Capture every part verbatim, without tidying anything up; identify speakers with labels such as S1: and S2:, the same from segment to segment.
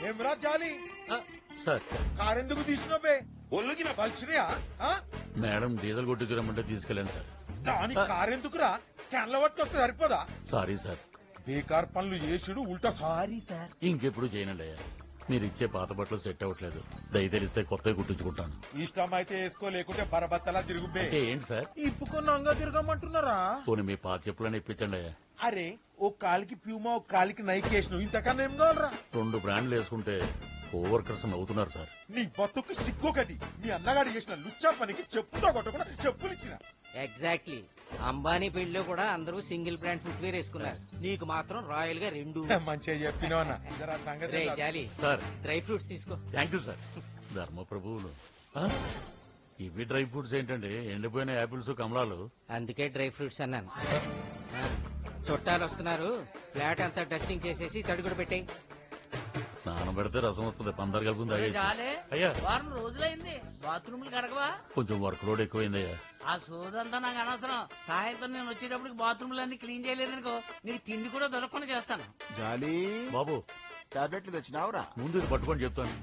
S1: ఏమరా జాలి
S2: సార్
S1: కారెందుకు తీసినవే ఒళ్ళుకి నా పలిచినయా
S2: మేడం డీజిల్ కొట్టించరమ్మంటే తీసుకెళ్ళాను సార్.
S1: దాని కారెందుకురా క్యాన్ల పట్టుకొస్తే సరిపోదా
S2: సారీ సార్.
S1: బేకార్ పనులు చేసుడు ఉల్టా సారీ సార్.
S2: ఇంకెప్పుడు చేయనండి అయ్యా. మీరు ఇచ్చే పాత బట్టలు సెట్ అవ్వట్లేదు. దయ తెలిస్తే కొత్తవి కుట్టించుకుంటాను.
S1: ఇష్టం అయితే వేసుకో, లేకుంటే బరబత్తలా తిరుగుబే.
S2: అంటే ఏంటి సార్?
S1: ఇప్పుకొని అంగా తిరగమంటున్నారా?
S2: పోనీ మీ పాత చెప్పులని ఇప్పించండి అయ్యా.
S1: అరే ఓ కాలికి ప్యూమా, ఓ కాలికి నైక్ వేసినావు, ఇంతకన్నా ఏం కావాలరా?
S2: రెండు బ్రాండ్లు వేసుకుంటే కోవర్కర్స్ నవ్వుతున్నారు సార్.
S1: నీ బతుకు సిగ్గొకటి. మీ అన్నగాడు చేసిన లుచ్చా పనికి చెప్పుతో కొట్టకుండా చెప్పులు ఇచ్చిన.
S3: ఎగ్జాక్ట్లీ. అంబానీ పెళ్లిలో కూడా అందరూ సింగిల్ బ్రాండ్ ఫుట్వేర్ వేసుకున్నారు, నీకు మాత్రం రాయల్ గా రెండు.
S1: మంచిగా చెప్పినావు అన్న. ఇదరా సంగతి.
S3: రే జాలి
S2: సార్
S3: డ్రై ఫ్రూట్స్ తీసుకో.
S2: Thank you sir. ధర్మ ప్రభువులు ఆ? ఇవి డ్రై ఫ్రూట్స్ ఏంటండి? ఎండిపోయిన యాపిల్స్, కమలాలు.
S3: అందుకే డ్రై ఫ్రూట్స్ అన్నాను. ఆ, చుట్టాలు వస్తున్నారు, ఫ్లాట్ అంతా డస్టింగ్ చేసేసి తడుగుడు పెట్టాయి.
S2: స్నానం పెడితే రసం వస్తుంది. పందరు కలుపుంది తాగేసి.
S4: చాలే
S2: అయ్యా
S4: వారం రోజులైంది బాత్రూమ్లు కడగవా?
S2: కొంచెం వర్క్ లోడ్ ఎక్కువైందయ్యా.
S4: ఆ సోదంతా నాకు అనవసరం. సాయంత్రం నేను వచ్చేటప్పటికి బాత్రూమ్లు అన్ని క్లీన్ చేయలేదనుకో, నీకు తిండి కూడా దొరకకుండా చేస్తాను.
S5: జాలి
S2: బాబు
S5: టాబ్లెట్లు తెచ్చినావురా?
S2: ముందు ఇది పట్టుకొని చెప్తాను.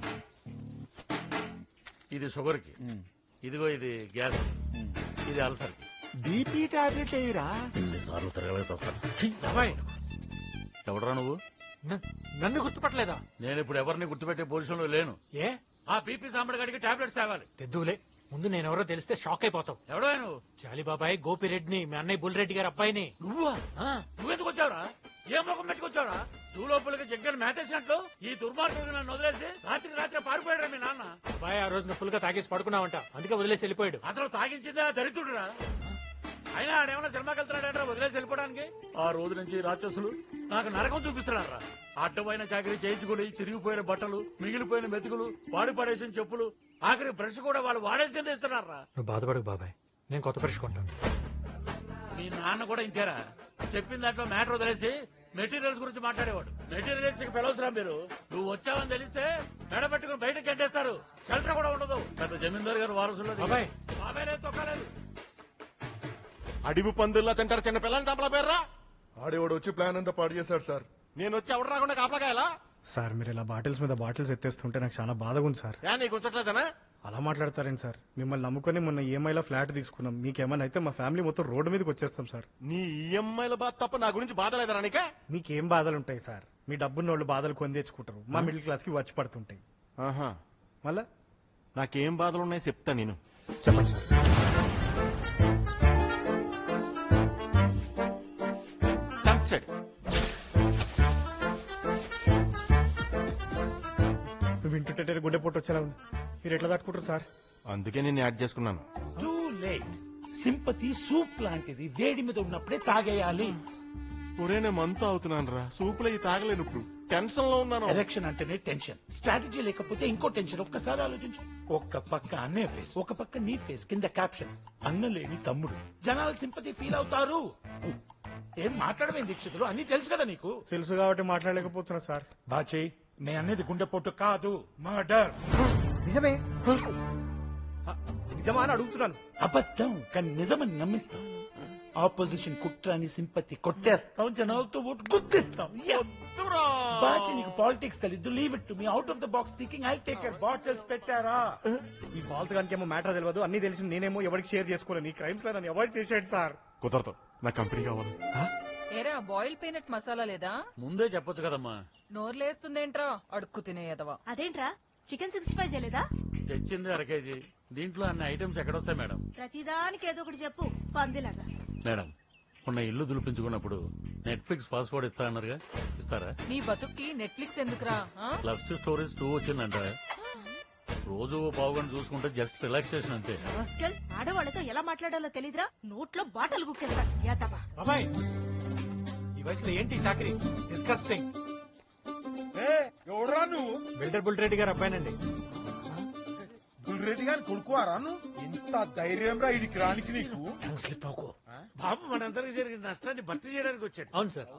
S2: ఇది షుగర్ కి, ఇదిగో ఇది గ్యాస్, ఇది అల్సర్ కి.
S5: బీపీ టాబ్లెట్ ఏవిరా?
S2: ఎన్నిసార్లు తిరగలేసి వస్తాను.
S6: అబ్బాయి
S2: ఎవడరా నువ్వు?
S6: న- నన్ను గుర్తుపట్టలేదా?
S2: నేను ఇప్పుడు ఎవరిని గుర్తుపెట్టే పొజిషన్ లో లేను.
S6: ఏ
S2: ఆ బీపీ సాంబడి గడికి టాబ్లెట్స్ తేవాలి.
S6: తెద్దులే, ముందు నేనెవరో తెలిస్తే షాక్ అయిపోతావు.
S2: ఎవడో నువ్వు?
S6: జాలి బాబాయ్ గోపిరెడ్డిని, మీ అన్నయ్య బుల్రెడ్డి గారి అబ్బాయిని.
S2: నువ్వా?
S6: ఆ,
S2: నువ్వెందుకు వచ్చావురా? ఏ ముఖం పెట్టుకొచ్చావురా? నువ్వు లోపలికి జగ్గని మేతేసినట్లు ఈ దుర్మార్గుడు నన్ను వదిలేసి రాత్రికి రాత్రి పారిపోయాడు మీ నాన్న.
S6: అబ్బాయి ఆ రోజున ఫుల్ గా తాగేసి పడుకున్నావంట, అందుకే వదిలేసి వెళ్ళిపోయాడు.
S2: అసలు తాగించిందే ఆ దరిద్రుడురా. అయినా ఆడేమన్నా సినిమాకి వెళ్తున్నాడంటే వదిలేసి వెళ్ళిపోవడానికి. ఆ రోజు నుంచి ఈ రాక్షసులు నాకు నరకం చూపిస్తున్నారా? అడ్డమైన చాకరీ చేయించుకుని చిరిగిపోయిన బట్టలు, మిగిలిపోయిన మెతుకులు, వాడి పడేసిన చెప్పులు, ఆఖరి బ్రష్ కూడా వాళ్ళు వాడేసింది ఇస్తున్నారా?
S6: నువ్వు బాధపడకు బాబాయ్, నేను కొత్త బ్రష్ కొంటాను.
S2: మీ నాన్న కూడా ఇంతేరా? చెప్పిన దాంట్లో మ్యాటర్ వదిలేసి మెటీరియల్స్ గురించి మాట్లాడేవాడు. మెటీరియల్స్ కి పిలవసరా మీరు? నువ్వు వచ్చావని తెలిస్తే మెడ పెట్టుకుని బయటకు చెడ్డేస్తారు. షెల్టర్ కూడా ఉండదు. పెద్ద జమీందారు గారు వారసుల్లో
S6: బాబాయ్.
S2: బాబాయ్ తొక్కలేదు.
S5: అడివి పందుల్లా తింటారు చిన్న పిల్లల్ని చంపల పేర్రా?
S7: ఆడేవాడు వచ్చి ప్లాన్ అంతా పాడు చేశాడు సార్.
S5: నేను వచ్చి ఎవరు రాకుండా కాపలాకాయలా?
S8: సార్ మీరు ఇలా బాటిల్స్ మీద బాటిల్స్ ఎత్తేస్తుంటే నాకు చాలా బాధగా ఉంది సార్.
S5: యా నీకు ఉంచట్లేదనా?
S8: అలా మాట్లాడతారేంటి సార్? మిమ్మల్ని నమ్ముకొని మొన్న ఈఎంఐలో ఫ్లాట్ తీసుకున్నాం. మీకేమైనా అయితే మా ఫ్యామిలీ మొత్తం రోడ్డు మీదకి వచ్చేస్తాం సార్.
S5: నీ ఈఎంఐల బాధ తప్ప నా గురించి బాధ లేదరా నీకే?
S8: మీకేం బాధలు ఉంటాయి సార్? మీ డబ్బున్న వాళ్ళు బాధలు కొని తెచ్చుకుంటారు, మా మిడిల్ క్లాస్ కి వచ్చి పడుతుంటాయి.
S5: ఆహా,
S8: మళ్ళా
S5: నాకేం బాధలు ఉన్నాయో చెప్తా నేను.
S8: చెప్పండి సార్.
S5: సన్సెట్
S8: నువ్వు వింటుంటే గుండె పొట్టు వచ్చేలా ఉంది. మీరు ఎట్లా తట్టుకుంటారు సార్?
S5: అందుకే నేను యాడ్ చేసుకున్నాను.
S9: Too late. సింపతి సూప్ లాంటిది, వేడి మీద ఉన్నప్పుడే తాగేయాలి.
S5: ఒరే నేను మంతా అవుతున్నాను రా, సూపులో ఈ తాగలేను. ఇప్పుడు టెన్షన్ లో ఉన్నాను.
S9: ఎలక్షన్ అంటేనే టెన్షన్, స్ట్రాటజీ లేకపోతే ఇంకో టెన్షన్. ఒక్కసారి ఆలోచించు. ఒక్క పక్క అన్నే ఫేస్, ఒక పక్క నీ ఫేస్, కింద క్యాప్షన్ అన్నలేని తమ్ముడు. జనాలు సింపతి ఫీల్ అవుతారు. ఏం మాట్లాడమే దీక్షితులు, అన్ని తెలుసు కదా నీకు.
S8: తెలుసు కాబట్టి మాట్లాడలేకపోతున్నా సార్.
S9: బాచే నే అనేది గుండెపోటు కాదు, మర్డర్.
S8: నిజమే నిజమా అని అడుగుతున్నాను.
S9: అబద్ధం కానీ నిజమని నమ్మిస్తాం. ఆపోజిషన్ కుట్రాని సింపతి కొట్టేస్తాం, జనాలతో ఓటు గుద్దిస్తాం. బాచి నీకు పాలిటిక్స్ తెలీదు, leave it to me. Out of the box thinking, I take care. Bottles పెట్టారా?
S8: ఈ ఫాల్త్ గానికి ఏమో మ్యాటర్ తెలియదు, అన్ని తెలిసి నేనేమో ఎవరికి షేర్ చేసుకోలేను. ఈ క్రైమ్స్ లో నన్ను అవాయిడ్ చేసేయండి సార్.
S5: కుదరదు, నా కంపెనీ కావాలి.
S10: ఏరా బాయిల్ పీనట్ మసాలా లేదా?
S2: ముందే చెప్పొచ్చు కదమ్మా.
S10: నోర్లేస్తుందేంట్రా అడుక్కు తినేయదవా?
S11: అదేంట్రా చికెన్ సిక్స్టీ ఫైవ్ చేయలేదా?
S2: తెచ్చింది అర కేజీ. దీంట్లో అన్ని ఐటమ్స్ ఎక్కడొస్తాయి మేడం?
S11: ప్రతిదానికి ఏదో ఒకటి చెప్పు, పందిలాగా.
S2: మేడం మొన్న ఇల్లు దులిపించుకున్నప్పుడు నెట్ఫ్లిక్స్ పాస్వర్డ్ ఇస్తా అన్నారుగా, ఇస్తారా?
S10: నీ బతుక్కి నెట్ఫ్లిక్స్ ఎందుకురా? ఆ?
S2: ప్లస్ టూ స్టోరీస్ టూ వచ్చిందంట. రోజు పావు గంట చూసుకుంటే జస్ట్ రిలాక్సేషన్ అంతే.
S11: రాస్కెల్, ఆడవాళ్ళతో ఎలా మాట్లాడాలో తెలీదురా? నోట్లో బాటలు గుక్కేస్తా. యాదవా.
S6: బాబాయ్ ఈ వయసులో ఏంటి చాకరీ? డిస్కస్టింగ్.
S1: ఏ ఎవడరా నువ్వు?
S6: బిల్డర్ బుల్రెడ్డి గారి అబ్బాయినండి.
S1: బుల్రెడ్డి గారిని కొడుకువారా నువ్వు? ఇంత ధైర్యం రా ఇడికి రానికి నీకు?
S9: స్లిప్ అవుకో. బాబు మనందరికి జరిగిన నష్టాన్ని భర్తీ చేయడానికి వచ్చాడు.
S6: అవును sir.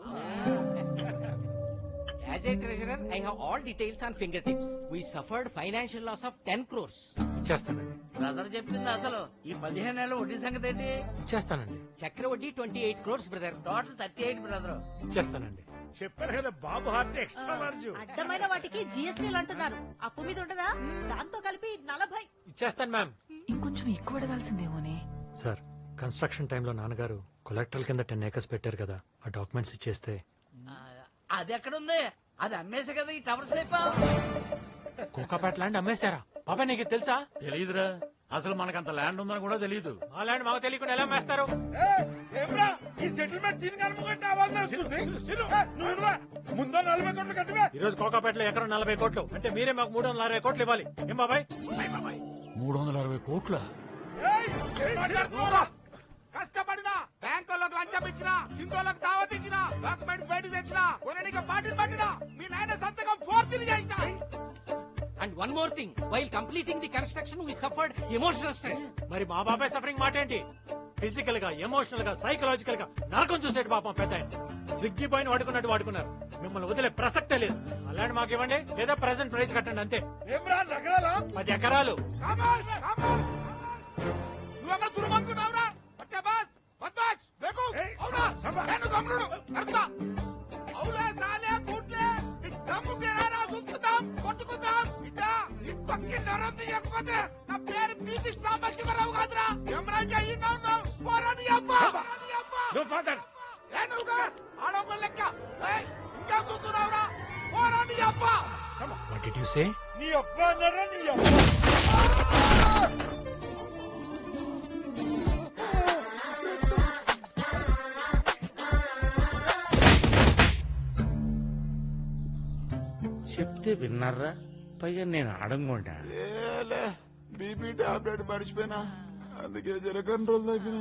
S3: As a treasurer I have all details on finger tips. We suffered financial loss of ten crores.
S6: ఇచ్చేస్తానండి.
S4: బ్రదర్ చెప్పింది అసలు. ఈ పదిహేను నెలల వడ్డీ సంగతి ఏంటి?
S6: ఇచ్చేస్తానండి.
S3: చక్ర వడ్డీ twenty eight crores brother.
S4: Total thirty eight brother.
S6: ఇచ్చేస్తానండి.
S9: చెప్పాను కదా బాబు హార్ట్ ఎక్స్ట్రా లార్జ్.
S11: అడ్డమైన వాటికి జిఎస్టీలు అంటున్నారు. అప్పు మీద ఉండదా? దాంతో కలిపి నలభై.
S6: ఇచ్చేస్తాను మ్యామ్.
S10: ఇంకొంచెం ఎక్కువ అడగాల్సిందేమోనే.
S6: సార్ కన్స్ట్రక్షన్ టైంలో నాన్నగారు కొలెక్టరల్ కింద టెన్ ఏకర్స్ పెట్టారు కదా, ఆ డాక్యుమెంట్స్ ఇచ్చేస్తే.
S4: ఆ, అది ఎక్కడుంది? అది అమ్మేసే కదా ఈ టవర్స్ లేపా.
S6: కోకాపేట ల్యాండ్ అమ్మేశారా బాబాయ్? నీకు ఇది తెలుసా?
S2: తెలియదురా, అసలు మనకంత ల్యాండ్ ఉందని కూడా తెలియదు.
S6: ఆ ల్యాండ్ మాకు తెలియకుండా ఎలా అమ్మేస్తారు?
S1: ఏమ్రా ఈ సెటిల్మెంట్ సీన్ కనుకుంటే ఆవాజ్ వస్తుంది. ఏ, నువ్వు ఇవ్వరా? ముందో నలభై కోట్లు కట్టివే.
S6: ఈ రోజు కోకాపేటలో ఎకరం నలభై కోట్లు అంటే మీరే మాకు మూడు వందల అరవై కోట్లు ఇవ్వాలి. ఏం బాబాయ్?
S2: మూడు వందల అరవై కోట్ల
S1: ఏయ్, ఏం మాట్లాడుతున్నావురా?
S12: కష్టపడినా బ్యాంకులకు లంచం ఇచ్చినా ఇంకోళ్ళకి దావత్ ఇచ్చినా డాక్యుమెంట్స్ బయట తెచ్చినా కొనడానికి పార్టీలు పట్టినా మీ నాయన సంతకం ఫోర్త్ చేసినా.
S4: And one more thing, while completing the construction we suffered emotional stress.
S6: మరి మా బాబాయ్ సఫరింగ్ మాట ఏంటి? ఫిజికల్ గా, ఎమోషనల్ గా, సైకలాజికల్ గా నరకం చూసేటి పాపం పెద్ద ఆయన. స్విగ్గీ పైన వాడుకున్నట్టు వాడుకున్నారు. మిమ్మల్ని వదిలే ప్రసక్తే లేదు. అలాంటి మాకు ఇవ్వండి లేదా ప్రెసెంట్ ప్రైస్ కట్టండి అంతే.
S1: ఏమ్రా నగరాలా?
S6: పది ఎకరాలు.
S12: కామాష్, కామాష్. నువ్వెవరు దుర్మంకున్నావురా? పట్టే బాస్, బద్మాష్, బేకూఫ్. అవునా? నేను గమ్మునుడు. నడుస్తా. అవులే సాలే కూట్లే. నీ దమ్ము తీరారా చూసుకుందాం, కొట్టుకుందాం. బిడ్డ, నీ పక్కి నరం తీయకపోతే నా పేరు పీపీ సాంబశివరావు కాదురా. ఎమరాజ్ అయ్యిందా ఉన్నావు? పోరాని అబ్బా.
S9: No father.
S12: ఏ నువ్వుగా? ఆడొక లెక్క. ఏయ్, ఇంకా చూస్తున్నావురా? పోరాని అబ్బా.
S6: What did you say?
S1: నీ అబ్బ అన్నారా? నీ అబ్బ.
S9: చెప్తే విన్నారా? పైగా నేను అడగకుండా
S12: బీపీ టాబ్లెట్ మర్చిపోయినా, అందుకే జర కంట్రోల్ తగ్గిన.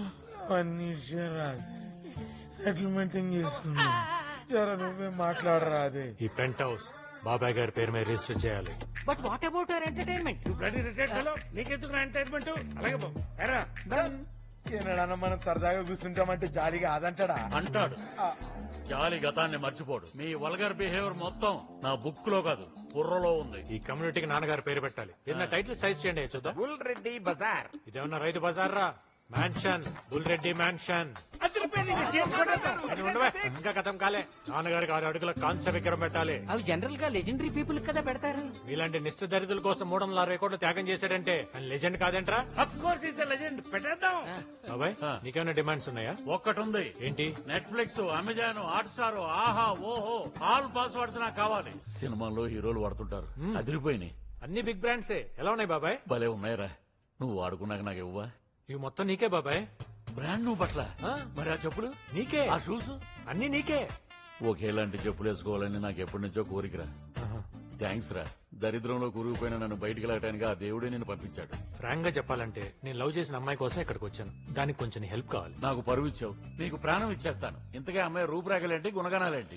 S9: సెటిల్మెంట్ చేసుకున్నా. జర నువ్వే మాట్లాడరా. అదే
S6: ఈ పెంట్ హౌస్ బాబాయ్ గారి పేరు మీద రిజిస్టర్ చేయాలి.
S4: But what about your entertainment?
S9: నీకెందుకు ఎంటర్టైన్మెంట్? అలాగే బాబు. ఎరా ఏనాడన్నా మనం సరదాగా కూర్చుంటామంటే జాలిగా అదంటాడా?
S2: అంటాడు. జాలి గతాన్ని మర్చిపోడు. మీ వల్గర్ బిహేవియర్ మొత్తం నా బుక్ లో కాదు బుర్రలో ఉంది.
S6: ఈ కమ్యూనిటీకి నాన్నగారి పేరు పెట్టాలి. ఏదైనా టైటిల్ సైజ్ చేయండి చూద్దాం.
S12: బుల్ రెడ్డి బజార్.
S6: ఇదేమన్నా రైతు బజార్ రా? Mansion, Bul Reddy mansion. అది ఉండవే, ఇంకా కథం కాలే. నాన్నగారికి ఆరు అడుగుల కాంస్య విగ్రహం పెట్టాలి.
S4: అవి జనరల్ గా లెజెండరీ పీపుల్ కదా పెడతారు.
S6: ఇలాంటి నిష్ఠ దరిద్రుల కోసం మూడు వందల అరవై కోట్లు త్యాగం చేశాడంటే ఆయన లెజెండ్ కాదేంట్రా?
S9: Of course is legend. పెట్టేద్దాం.
S6: బాబాయ్ నీకేమైనా డిమాండ్స్ ఉన్నాయా?
S2: ఒక్కటి ఉంది.
S6: ఏంటి?
S2: నెట్ఫ్లిక్స్, అమెజాన్, హాట్ స్టార్, ఆహా, ఓహో, ఆల్ పాస్వర్డ్స్ నాకు కావాలి. సినిమాల్లో హీరోలు వాడుతుంటారు, అదిరిపోయినాయి.
S6: అన్ని బిగ్ బ్రాండ్సే. ఎలా ఉన్నాయి బాబాయ్?
S2: భలే ఉన్నాయిరా. నువ్వు వాడుకున్నాక నాకు ఇవ్వా?
S6: ఇవి మొత్తం నీకే బాబాయ్.
S2: బ్రాండ్ నువ్వు పట్ల
S6: ఆ?
S2: మరి ఆ చెప్పులు
S6: నీకే.
S2: ఆ షూస్
S6: అన్ని నీకే.
S2: ఒకేలాంటి చెప్పులు వేసుకోవాలని నాకు ఎప్పటి నుంచో కోరికరా. థ్యాంక్స్ రా. దరిద్రంలో కూరుకుపోయిన నన్ను బయటికి వెళ్ళటానికి ఆ దేవుడే నేను పంపించాడు.
S6: ఫ్రాంక్ గా చెప్పాలంటే నేను లవ్ చేసిన అమ్మాయి కోసం ఇక్కడికి వచ్చాను. దానికి కొంచెం హెల్ప్ కావాలి.
S2: నాకు పరువు ఇచ్చావు, నీకు ప్రాణం ఇచ్చేస్తాను. ఇంతకే అమ్మాయి రూపురేఖలేంటి, గుణగణాలేంటి?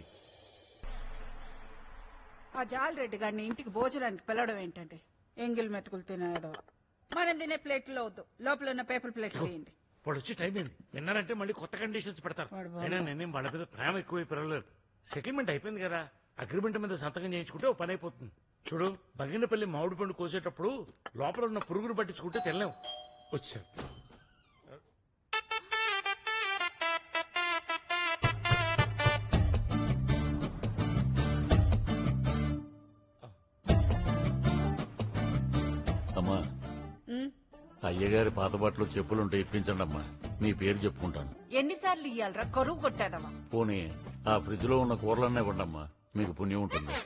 S11: ఆ జాలరెడ్డి గారిని ఇంటికి భోజనానికి పిలవడం ఏంటంటే ఎంగిల్ మెతుకులు తినేదో. మనం తినే ప్లేట్లో వద్దు, లోపల ఉన్న పేపర్ ప్లేట్ చేయండి.
S9: ఇప్పుడు వచ్చి టైం ఏంది? విన్నారంటే మళ్ళీ కొత్త కండిషన్స్ పెడతారు. అయినా నేనేం వాళ్ళ మీద ప్రేమ ఎక్కువ పెరగలేదు. సెటిల్మెంట్ అయిపోయింది కదా, అగ్రిమెంట్ మీద సంతకం చేయించుకుంటే ఓ పని అయిపోతుంది. చూడు, బగినపల్లి మామిడి పండు కోసేటప్పుడు లోపల ఉన్న పురుగును పట్టించుకుంటే తెల్లాం. వచ్చారు.
S2: అమ్మా, అయ్యగారి పాత బట్టలు చెప్పులుంటే ఇప్పించండి అమ్మా. మీ పేరు చెప్పుకుంటాను.
S11: ఎన్నిసార్లు ఇయ్యాలరా? కరువు కొట్టాదమ్మా.
S2: పోనీ ఆ ఫ్రిడ్జ్ లో ఉన్న కూరలన్నీ ఇవ్వండమ్మా, మీకు పుణ్యం ఉంటుంది.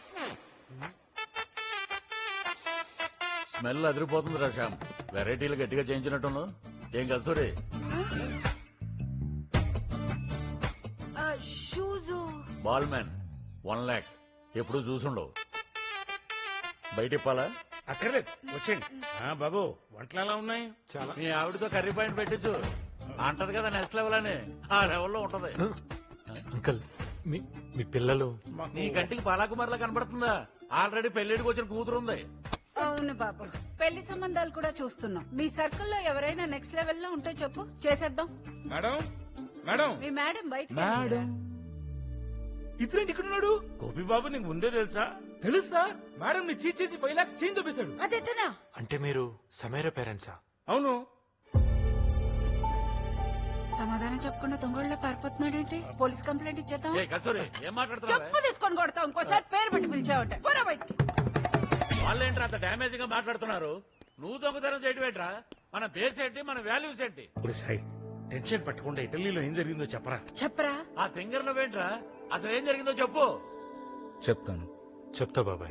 S2: స్మెల్ అదిరిపోతుంది రా శ్యామ్. వెరైటీలు గట్టిగా చేయించినట్టును. ఏం కలుసోరే? బాల్ మ్యాన్ వన్ లాక్ ఎప్పుడు చూసుండవు. బయట ఇప్పాలా?
S9: అక్కర్లేదు, వచ్చేయండి. ఆ బాబు, వంటలు ఎలా ఉన్నాయి?
S6: చాలా.
S2: మీ ఆవిడతో కర్రీ పాయింట్ పెట్టించు. అంటది కదా నెక్స్ట్ లెవెల్ అని. ఆ లెవెల్లో ఉంటది.
S6: అంకుల్, మీ మీ పిల్లలు?
S2: నీ కంటికి బాలాకుమార్లా కనబడుతుందా? ఆల్రెడీ పెళ్లిడికి వచ్చిన కూతురుంది.
S11: అవును బాబు, పెళ్లి సంబంధాలు కూడా చూస్తున్నాం. మీ సర్కిల్లో ఎవరైనా నెక్స్ట్ లెవెల్ లో ఉంటే చెప్పు, చేసేద్దాం.
S9: మేడం, మేడం,
S11: మీ మేడం బయట.
S9: మేడం, ఇతరేంటి ఇక్కడ ఉన్నాడు? గోపి బాబు నీకు ముందే తెలుసా? తెలుసా? మేడం ని చీట్ చేసి ఫైవ్ లాక్స్ చేంజ్ చూపిస్తాడు.
S11: అదేతనా?
S6: అంటే మీరు సమీర పేరెంట్సా?
S9: అవును.
S11: సమాధానం చెప్పకుండా దొంగళ్ళ పారిపోతున్నాడేంటి? పోలీస్ కంప్లైంట్ ఇచ్చేద్దాం.
S2: ఏ కస్తూరి ఏం మాట్లాడుతున్నావు
S11: చెప్పు తీసుకొని కొడతాం. ఇంకోసారి పేరు పెట్టి పిలిచావంటే పోరా బయటికి.
S2: వాళ్ళేంట్రా అంత డ్యామేజ్ గా మాట్లాడుతున్నారు? నువ్వు దొంగతనం చేయటం ఏంట్రా? మన బేస్ ఏంటి, మన వాల్యూస్ ఏంటి?
S9: టెన్షన్ పట్టకుండా ఇటలీలో ఏం జరిగిందో చెప్పరా.
S11: చెప్పరా.
S2: ఆ తింగర్లో ఏంట్రా? అసలు ఏం జరిగిందో చెప్పు.
S9: చెప్తాను. చెప్తా బాబాయ్.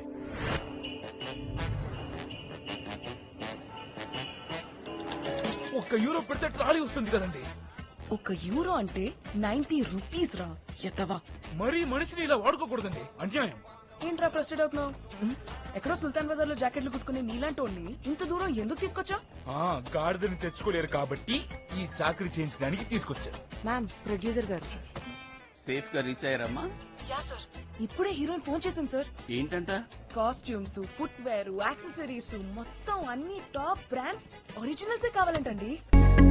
S12: ఒక్క యూరో పెడితే ట్రాలీ వస్తుంది కదండి.
S10: ఒక యూరో అంటే నైన్టీ రూపీస్ రా ఎత్తవా.
S12: మరీ మనిషిని ఇలా వాడుకోకూడదండి, అన్యాయం.
S10: ఏంట్రా ఫ్రస్టెడ్ అవుతున్నావు? ఎక్కడో సుల్తాన్ బజార్ లో జాకెట్లు కుట్టుకుని నీలాంటి వాళ్ళని ఇంత దూరం ఎందుకు తీసుకొచ్చా?
S12: ఆ గాడిదని తెచ్చుకోలేరు కాబట్టి ఈ చాకరీ చేయించడానికి తీసుకొచ్చారు.
S10: మ్యామ్, ప్రొడ్యూసర్ గారు
S4: సేఫ్ గా రీచ్ అయ్యారమ్మా?
S10: ఇప్పుడే హీరోయిన్ ఫోన్ చేసింది సార్.
S4: ఏంటంట?
S10: కాస్ట్యూమ్స్, ఫుట్ వేర్, యాక్సెసరీస్ మొత్తం అన్ని టాప్ బ్రాండ్స్ ఒరిజినల్సే కావాలంటండి.